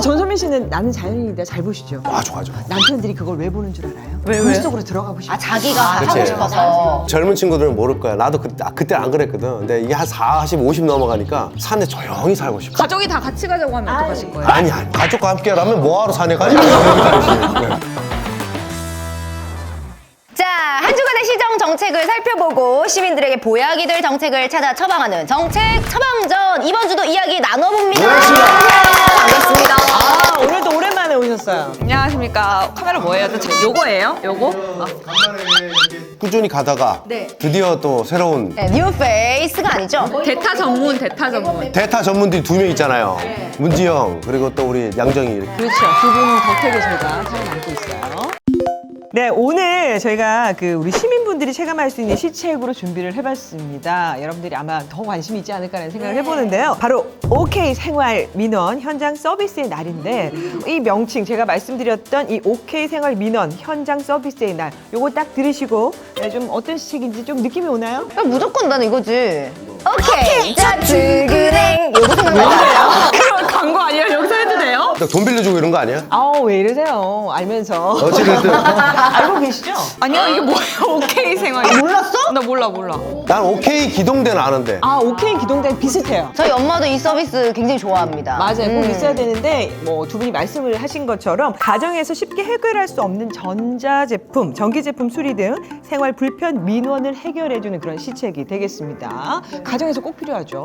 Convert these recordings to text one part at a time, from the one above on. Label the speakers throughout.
Speaker 1: 전소민 씨는 나는 자연인이다 잘 보시죠?
Speaker 2: 아, 좋아.
Speaker 1: 남편들이 그걸 왜 보는 줄 알아요?
Speaker 3: 왜?
Speaker 1: 물속으로 들어가고 싶어.
Speaker 4: 아, 자기가 하고
Speaker 2: 그치.
Speaker 4: 싶어서.
Speaker 2: 젊은 친구들은 모를 거야. 나도 그때 안 그랬거든. 근데 이게 한 40, 50 넘어가니까 산에 조용히 살고 싶어.
Speaker 3: 가족이 다 같이 가자고 하면 어떡하실 거예요?
Speaker 2: 아니, 가족과 함께라면 뭐하러 산에 가지? 네.
Speaker 4: 자, 한 주간의 시정 정책을 살펴보고 시민들에게 보약이 될 정책을 찾아 처방하는 정책 처방전. 이번 주도 이야기 나눠봅니다. 반갑습니다.
Speaker 1: 아, 오늘도 오랜만에 오셨어요.
Speaker 3: 안녕하십니까. 카메라 뭐예요? 요거예요? 요거?
Speaker 2: 꾸준히 가다가 드디어 또 새로운
Speaker 4: 네, 뉴 페이스가 아니죠?
Speaker 3: 대타 전문.
Speaker 2: 대타 전문들이 2명 있잖아요. 문지영 그리고 또 우리 양정이 이렇게.
Speaker 1: 그렇죠. 두 분은 덕택에 저희가 살아남고 있어요. 네, 오늘 저희가 우리 시민분들이 체감할 수 있는 시책으로 준비를 해봤습니다. 여러분들이 아마 더 관심이 있지 않을까라는 생각을 해보는데요. 바로 OK 생활 민원 현장 서비스의 날인데 이 명칭 제가 말씀드렸던 이 OK 생활 민원 현장 서비스의 날 요거 딱 들으시고 좀 어떤 시책인지 좀 느낌이 오나요?
Speaker 4: 야, 무조건 나는 이거지. 오케이. 자, 출근행. 요거 생각나요?
Speaker 3: 그럼 광고 아니에요? 여기서 해도 돼요?
Speaker 2: 돈 빌려주고 이런 거 아니야?
Speaker 1: 아우 왜 이러세요? 알면서.
Speaker 2: 어찌됐든
Speaker 1: 알고 계시죠?
Speaker 3: 아니요, 이게 뭐예요? 오케이 생활.
Speaker 4: 몰랐어?
Speaker 3: 나 몰라.
Speaker 2: 난 OK 기동대는 아는데.
Speaker 1: 아, OK 기동대는 비슷해요.
Speaker 4: 저희 엄마도 이 서비스 굉장히 좋아합니다.
Speaker 1: 맞아요. 꼭 있어야 되는데 뭐 두 분이 말씀을 하신 것처럼 가정에서 쉽게 해결할 수 없는 전자제품, 전기제품 수리 등 생활 불편 민원을 해결해주는 그런 시책이 되겠습니다. 가정에서 꼭 필요하죠.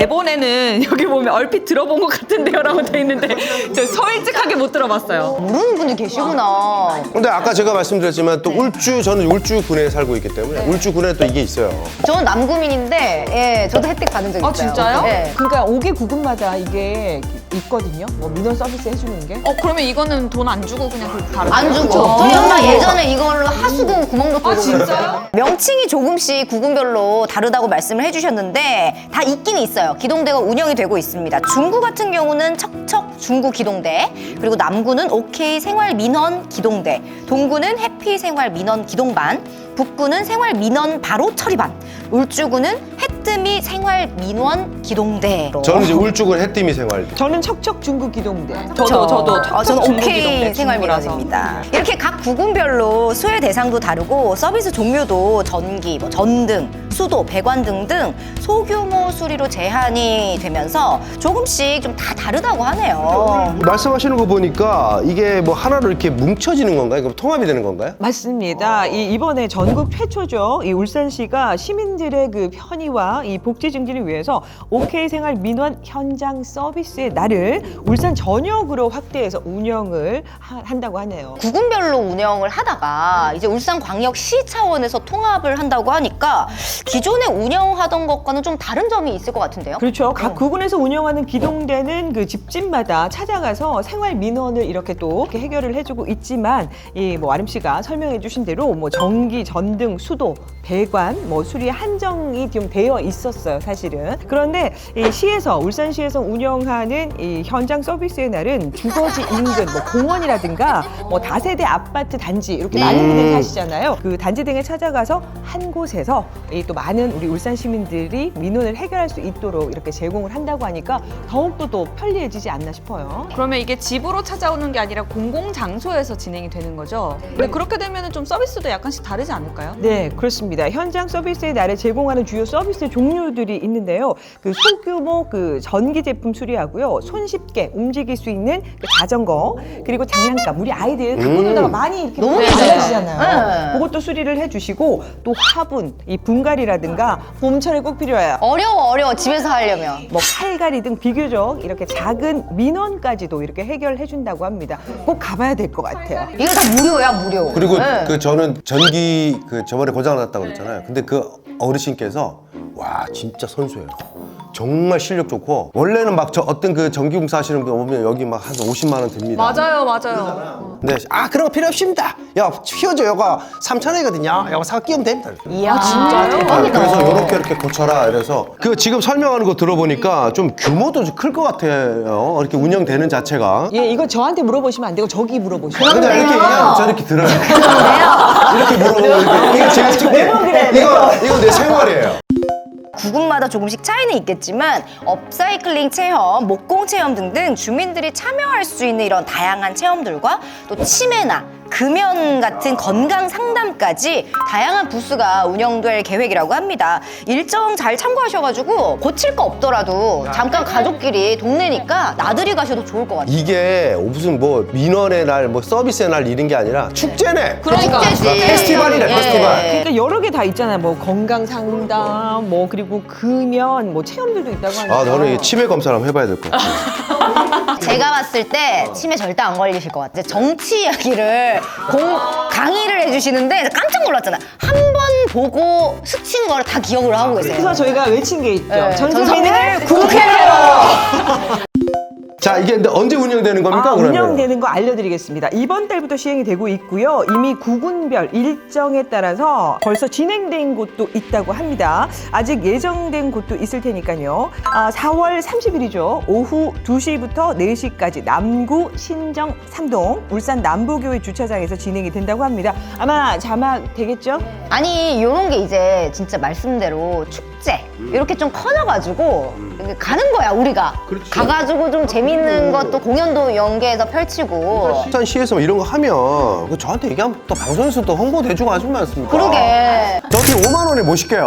Speaker 3: 대본에는 여기 보면 얼핏 들어본 것 같은데요? 라고 돼 있는데 저 솔직하게 못 들어봤어요.
Speaker 4: 모르는 분이 계시구나.
Speaker 2: 근데 아까 제가 말씀드렸지만 또 저는 울주군에 살고 있기 때문에 울주군에 또 이게 있어요.
Speaker 4: 저는 남구민인데, 예, 저도 혜택 받은 적 있어요.
Speaker 3: 아, 진짜요?
Speaker 4: 예.
Speaker 1: 그러니까 5개 구군마다 이게 있거든요. 뭐 민원 서비스 해주는 게.
Speaker 3: 그러면 이거는 돈 안 주고 그냥 그렇게 바로
Speaker 4: 안 주고.
Speaker 3: 그렇죠?
Speaker 4: 저희 엄마 예전에 이걸로 하수구 구멍도 뚫고.
Speaker 3: 아, 진짜요?
Speaker 4: 명칭이 조금씩 구군별로 다르다고 말씀을 해주셨는데 다 있긴 있어요. 기동대가 운영이 되고 있습니다. 중구 같은 경우는 척척 중구 기동대, 그리고 남구는 OK 생활 민원 기동대, 동구는 해피 생활 민원 기동반, 북구는 생활 민원 바로 처리반, 울주구는 해뜨미 생활 민원 기동대로.
Speaker 2: 저는 이제 울주군 해띠미 생활.
Speaker 1: 저는 척척 중구 기동대.
Speaker 3: 저도
Speaker 4: 저는
Speaker 3: 중구
Speaker 4: OK
Speaker 3: 기동대
Speaker 4: 생활
Speaker 3: 중구라서.
Speaker 4: 민원입니다. 이렇게 각 구군별로 수혜 대상도 다르고 서비스 종류도 전기, 뭐 전등, 수도, 배관 등등 소규모 수리로 제한이 되면서 조금씩 좀 다 다르다고 하네요.
Speaker 2: 말씀하시는 거 보니까 이게 뭐 하나로 이렇게 뭉쳐지는 건가요? 그럼 통합이 되는 건가요?
Speaker 1: 맞습니다. 이번에 전국 최초죠. 이 울산시가 시민들의 그 편의와 이 복지 증진을 위해서 OK 생활 민원 현장 서비스의 날을 울산 전역으로 확대해서 운영을 한다고 하네요.
Speaker 4: 구군별로 운영을 하다가 이제 울산광역시 차원에서 통합을 한다고 하니까 기존에 운영하던 것과는 좀 다른 점이 있을 것 같은데요?
Speaker 1: 그렇죠. 각 구군에서 운영하는 기동대는 그 집집마다 찾아가서 생활 민원을 이렇게 또 이렇게 해결을 해주고 있지만 이 뭐 아름 씨가 설명해주신 대로 뭐 전기, 전등, 수도, 배관 뭐 수리에 한정이 좀 되어 있었어요, 사실은. 그런데 이 시에서 울산시에서 운영하는 이 현장 서비스의 날은 주거지 인근 뭐 공원이라든가 뭐 다세대 아파트 단지 이렇게 많은 분들이 사시잖아요. 그 단지 등에 찾아가서 한 곳에서 이 또 많은 우리 울산 시민들이 민원을 해결할 수 있도록 이렇게 제공을 한다고 하니까 더욱더 또 편리해지지 않나 싶어요.
Speaker 3: 그러면 이게 집으로 찾아오는 게 아니라 공공장소에서 진행이 되는 거죠? 근데 그렇게 되면 좀 서비스도 약간씩 다르지 않을까요?
Speaker 1: 네, 그렇습니다. 현장 서비스의 날에 제공하는 주요 서비스 종류들이 있는데요. 그 소규모 그 전기 제품 수리하고요. 손쉽게 움직일 수 있는 그 자전거, 그리고 장난감. 우리 아이들 갖고 놀다가 많이 이렇게
Speaker 4: 너무
Speaker 1: 많으시잖아요.
Speaker 4: 네.
Speaker 1: 그것도 수리를 해주시고 또 화분, 이 분갈이라든가 봄철에 꼭 필요해요.
Speaker 4: 어려워 집에서 하려면.
Speaker 1: 뭐 칼갈이 등 비교적 이렇게 작은 민원까지도 이렇게 해결해 준다고 합니다. 꼭 가봐야 될 것 같아요.
Speaker 4: 이거 다 무료야 무료.
Speaker 2: 그리고
Speaker 4: 네.
Speaker 2: 저는 전기 저번에 고장 났다고 그랬잖아요. 근데 그 어르신께서 와 진짜 선수예요. 정말 실력 좋고 원래는 막 어떤 그 전기공사 하시는 분 오면 여기 막 한 50만 원 듭니다.
Speaker 3: 맞아요.
Speaker 2: 근데 그런 거 필요 없습니다. 야 휘어져 요거 3,000원이거든요. 요거 사서 끼우면 됩니다.
Speaker 4: 이야, 진짜요? 대박이다.
Speaker 2: 그래서 이렇게 고쳐라. 이래서 그 지금 설명하는 거 들어보니까 좀 규모도 클 것 같아요. 이렇게 운영되는 자체가.
Speaker 1: 예, 이거 저한테 물어보시면 안 되고 저기 물어보시면
Speaker 2: 근데
Speaker 1: 돼요.
Speaker 2: 이렇게 얘기하면 저 이렇게 들어요.
Speaker 4: 그런데요.
Speaker 2: 이렇게 물어보고 이거 제가 찍게. 이거 내 생활이에요.
Speaker 4: 구군마다 조금씩 차이는 있겠지만 업사이클링 체험, 목공 체험 등등 주민들이 참여할 수 있는 이런 다양한 체험들과 또 치매나 금연 같은 건강 상담까지 다양한 부스가 운영될 계획이라고 합니다. 일정 잘 참고하셔가지고 고칠 거 없더라도 잠깐 가족끼리 동네니까 나들이 가셔도 좋을 것 같아요.
Speaker 2: 이게 무슨 뭐 민원의 날, 뭐 서비스의 날 이런 게 아니라 축제네.
Speaker 3: 그러니까.
Speaker 4: 축제지.
Speaker 2: 페스티벌이네, 페스티벌.
Speaker 1: 그러니까 여러 개 다 있잖아요. 뭐 건강 상담, 뭐 그리고 금연, 뭐 체험들도 있다고 하니까.
Speaker 2: 아, 너는 이 치매 검사를 한번 해봐야 될 것 같아.
Speaker 4: 제가 봤을 때 치매 절대 안 걸리실 것 같아요. 정치 이야기를 강의를 해주시는데 깜짝 놀랐잖아요. 한 번 보고 스친 거를 다 기억을 하고 계세요.
Speaker 1: 그래서 저희가 외친 게 있죠.
Speaker 4: 네.
Speaker 1: 전소민을
Speaker 4: 국회로!
Speaker 2: 자, 이게 근데 언제 운영되는 겁니까? 그러면?
Speaker 1: 운영되는 거 알려드리겠습니다. 이번 달부터 시행이 되고 있고요. 이미 구군별 일정에 따라서 벌써 진행된 곳도 있다고 합니다. 아직 예정된 곳도 있을 테니까요. 4월 30일이죠. 오후 2시부터 4시까지 남구 신정 3동 울산 남부교회 주차장에서 진행이 된다고 합니다. 아마 자막 되겠죠?
Speaker 4: 아니 요런 게 이제 진짜 말씀대로 축제 이렇게 좀 커져가지고 가는 거야 우리가.
Speaker 2: 그렇지.
Speaker 4: 가가지고 좀 재밌는 것도 공연도 연계해서 펼치고.
Speaker 2: 울산시에서 뭐 이런 거 하면 그 저한테 얘기하면 또 방송에서 또 홍보도 해주고 하지 않습니까?
Speaker 4: 그러게.
Speaker 2: 저 어떻게 5만 원에 모실게요.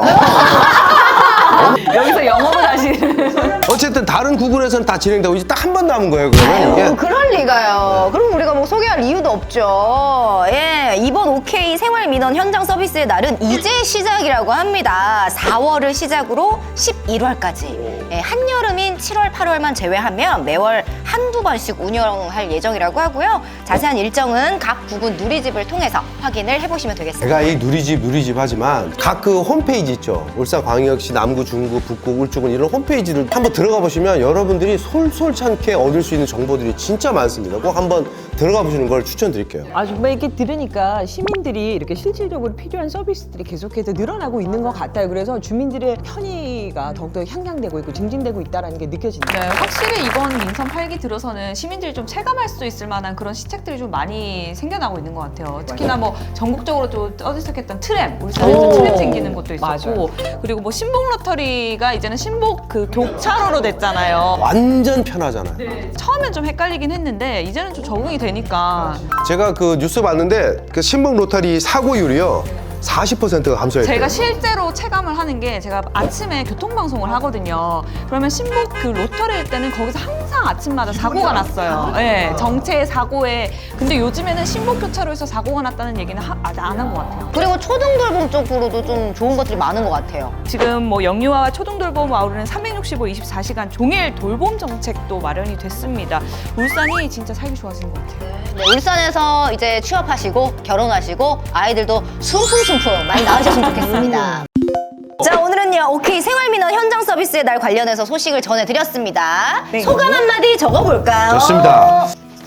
Speaker 3: 여기서 영업을 하시는.
Speaker 2: 어쨌든 다른 구군에서는 다 진행되고 이제 딱 한 번 남은 거예요. 그러면 이게
Speaker 4: 그럴 리가요. 그럼 우리가 뭐 소개할 이유도 없죠. 예, 이번 OK 생활민원 현장 서비스의 날은 이제 시작이라고 합니다. 4월을 시작으로 11월까지. 예, 한여름인 7월, 8월만 제외하면 매월 한두 번씩 운영할 예정이라고 하고요. 자세한 일정은 각 구군 누리집을 통해서 확인을 해보시면 되겠습니다.
Speaker 2: 제가 이 누리집 하지만 각 그 홈페이지 있죠. 울산광역시 남구, 중구, 북구, 울주군 이런 홈페이지를 한번 들어가 보시면 여러분들이 솔솔찮게 얻을 수 있는 정보들이 진짜 많습니다. 꼭 한번 들어가 보시는 걸 추천드릴게요.
Speaker 1: 정말 이렇게 들으니까 시민들이 이렇게 실질적으로 필요한 서비스들이 계속해서 늘어나고 있는 것 같아요. 그래서 주민들의 편의가 더욱더 향상되고 있고 증진되고 있다는 게 느껴집니다.
Speaker 3: 네, 확실히 이번 민선 8기 들어서는 시민들이 좀 체감할 수 있을 만한 그런 시책들이 좀 많이 생겨나고 있는 것 같아요. 특히나 뭐 전국적으로 또 떠들썩했던 트램, 울산에서 트램 생기는 것도 있었고, 그리고 뭐 신복 로터리가 이제는 신복 그 교차로로 됐잖아요.
Speaker 2: 완전 편하잖아요.
Speaker 3: 처음엔 좀 헷갈리긴 했는데 이제는 좀 적응이 되니까
Speaker 2: 제가 그 뉴스 봤는데 그 신북 로터리 사고율이요 40%가 감소했대요.
Speaker 3: 제가 실제로 체감을 하는 게 제가 아침에 교통방송을 하거든요. 그러면 신복 그 로터리일 때는 거기서 항상 아침마다 사고가 났어요. 네, 정체 사고에. 근데 요즘에는 신복 교차로에서 사고가 났다는 얘기는 아직 안 한 것 같아요.
Speaker 4: 그리고 초등돌봄 쪽으로도 좀 좋은 것들이 많은 것 같아요.
Speaker 3: 지금 뭐 영유아와 초등돌봄 아우르는 365, 24시간 종일 돌봄 정책도 마련이 됐습니다. 울산이 진짜 살기 좋아진 것 같아요.
Speaker 4: 네, 울산에서 이제 취업하시고 결혼하시고 아이들도 숨풍숨풍 많이 나으셨으면 좋겠습니다. 자, 오늘은요 OK 생활민원 현장 서비스의 날 관련해서 소식을 전해드렸습니다.
Speaker 1: 네.
Speaker 4: 소감 한마디 적어볼까요?
Speaker 2: 좋습니다.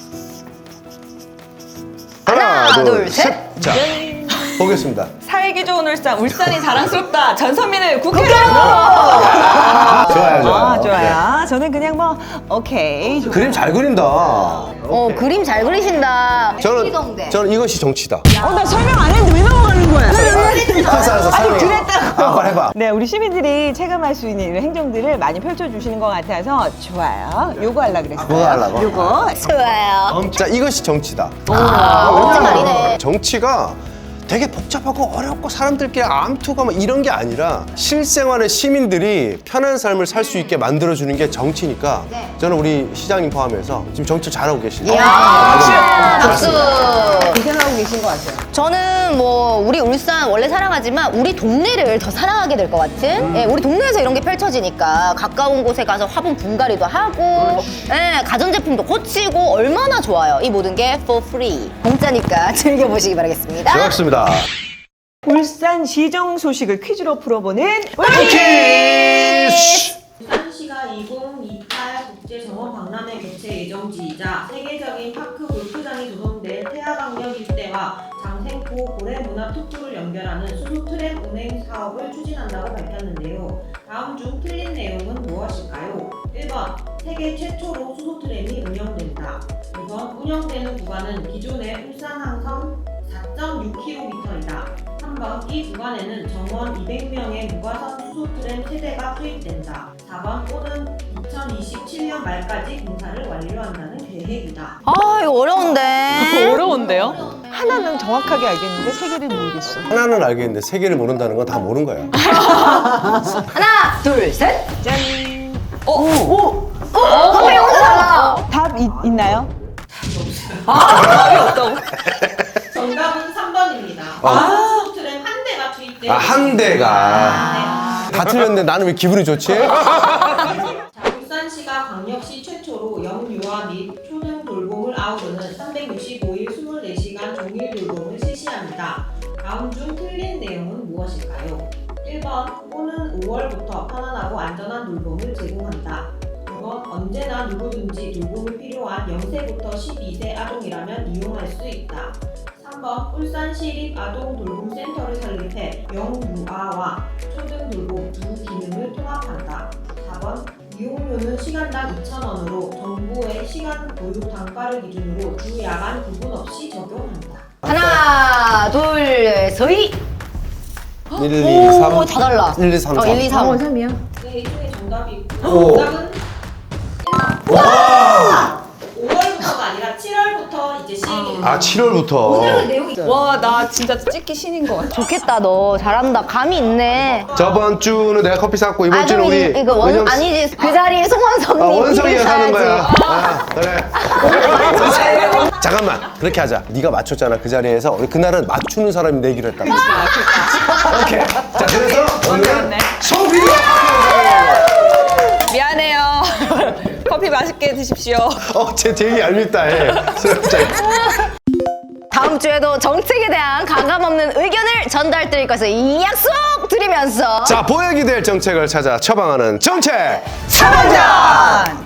Speaker 4: 하나, 둘, 셋.
Speaker 2: 자, 보겠습니다.
Speaker 3: 살기 좋은 울산, 울산이 자랑스럽다. 전선민을 국회로!
Speaker 2: 좋아요, 좋아요.
Speaker 1: 좋아요. 저는 그냥 뭐 오케이.
Speaker 2: 네. 그림 잘 그린다.
Speaker 4: 그림 잘 그리신다.
Speaker 2: 저는 이것이 정치다.
Speaker 1: 나 설명 안 했는데 왜 넘어가는 거야?
Speaker 2: 알았어, 설명해.
Speaker 1: 그랬다고.
Speaker 2: 빨리 해봐.
Speaker 1: 네, 우리 시민들이 체감할 수 있는 이런 행정들을 많이 펼쳐주시는 것 같아서 좋아요. 요거 하려고 그랬어요.
Speaker 2: 그거 하려고?
Speaker 1: 요거.
Speaker 4: 좋아요.
Speaker 2: 자, 이것이 정치다.
Speaker 4: 멋진 말이네.
Speaker 2: 정치가 되게 복잡하고 어렵고 사람들끼리 암투가 막 이런 게 아니라 실생활의 시민들이 편한 삶을 살 수 있게 만들어주는 게 정치니까 저는 우리 시장님 포함해서 지금 정치 잘하고 계시죠.
Speaker 4: 이야, 박수.
Speaker 1: 고생하고 계신 것 같아요.
Speaker 4: 저는 뭐 우리 울산 원래 사랑하지만 우리 동네를 더 사랑하게 될 것 같은. 예, 우리 동네에서 이런 게 펼쳐지니까 가까운 곳에 가서 화분 분갈이도 하고, 예, 가전제품도 고치고 얼마나 좋아요. 이 모든 게 for free. 공짜니까 즐겨보시기 바라겠습니다.
Speaker 2: 반갑습니다.
Speaker 1: 울산 시정 소식을 퀴즈로 풀어보는
Speaker 2: 퀴즈!
Speaker 5: 울산시가 2028 국제정원 박람회 개최 예정지이자 세계적인 파크 골프장이 조성될 태화강역 일대와 장생포 고래문화특구를 연결하는 수소트램 운행 사업을 추진한다고 밝혔는데요. 다음 중 틀린 내용은 무엇일까요? 1번 세계 최초로 수소트램이 운영된다. 2번 운영되는 구간은 기존의 울산항선 4.6km이다. 3번 이 구간에는 정원 200명의 무과선 수소 트램 세대가 투입된다. 4번 오는 2027년 말까지 공사를 완료한다는 계획이다.
Speaker 4: 아 이거 어려운데.
Speaker 3: 어려운데요?
Speaker 1: 하나는 정확하게 알겠는데 세 개를 모르겠어.
Speaker 2: 하나는 알겠는데 세 개를 모른다는 건 다 모르는 거야.
Speaker 4: 하나 둘 셋.
Speaker 1: 짠.
Speaker 4: 선배 혼자 달라.
Speaker 1: 답 있나요?
Speaker 5: 정답은 3번입니다. 수소 트램 한 대가 투입돼.
Speaker 2: 한 대가. 다 틀렸는데 나는 왜 기분이 좋지?
Speaker 5: 자, 울산시가 광역시 최초로 영유아 및 초등 돌봄을 아우르는 365일 24시간 종일 돌봄을 실시합니다. 다음 중 틀린 내용은 무엇일까요? 1번 오는 5월부터 편안하고 안전한 돌봄을 제공한다. 2번 언제나 누구든지 돌봄이 필요한 0세부터 12세 아동이라면 이용할 수 있다. 3번 울산시립아동돌봄센터를 설립해 영유아와 초등돌봄 두 기능을 통합한다. 4번 이용료는 시간당 2,000원으로 정부의 시간 교육 단가를 기준으로 주 야간 구분 없이 적용한다.
Speaker 4: 하나 둘 셋.
Speaker 2: 1, 2, 3.
Speaker 4: 오, 다 달라.
Speaker 2: 1, 2, 3, 4.
Speaker 4: 1, 2, 3.
Speaker 1: 3이야.
Speaker 5: 네, 이 중에 정답이 있고
Speaker 2: 오.
Speaker 5: 정답은 1번 5월부터가 아니라 7월부터 이제 시행입니다.
Speaker 2: 아, 7월부터.
Speaker 3: 와, 나 진짜 찍기 신인 것 같아.
Speaker 4: 좋겠다 너 잘한다. 감이 있네.
Speaker 2: 저번 주는 내가 커피 샀고 이번
Speaker 4: 아
Speaker 2: 주는
Speaker 4: 그럼
Speaker 2: 우리
Speaker 4: 이거 아니지 그 자리에 송원섭님
Speaker 2: 원석이가 사는 거야.
Speaker 4: 가야지.
Speaker 2: 아, 그래. 잠깐만 그렇게 하자. 네가 맞췄잖아 그 자리에서. 우리 그날은 맞추는 사람이 내기로 했다. 오케이. 자 그래서 오늘은 소비가
Speaker 3: 미안해요. 커피 맛있게 드십시오.
Speaker 2: 쟤 되게 얄밉다 해.
Speaker 4: 다음 주에도 정책에 대한 가감없는 의견을 전달 드릴 것을 약속 드리면서
Speaker 2: 자 보약이 될 정책을 찾아 처방하는 정책
Speaker 1: 차반전.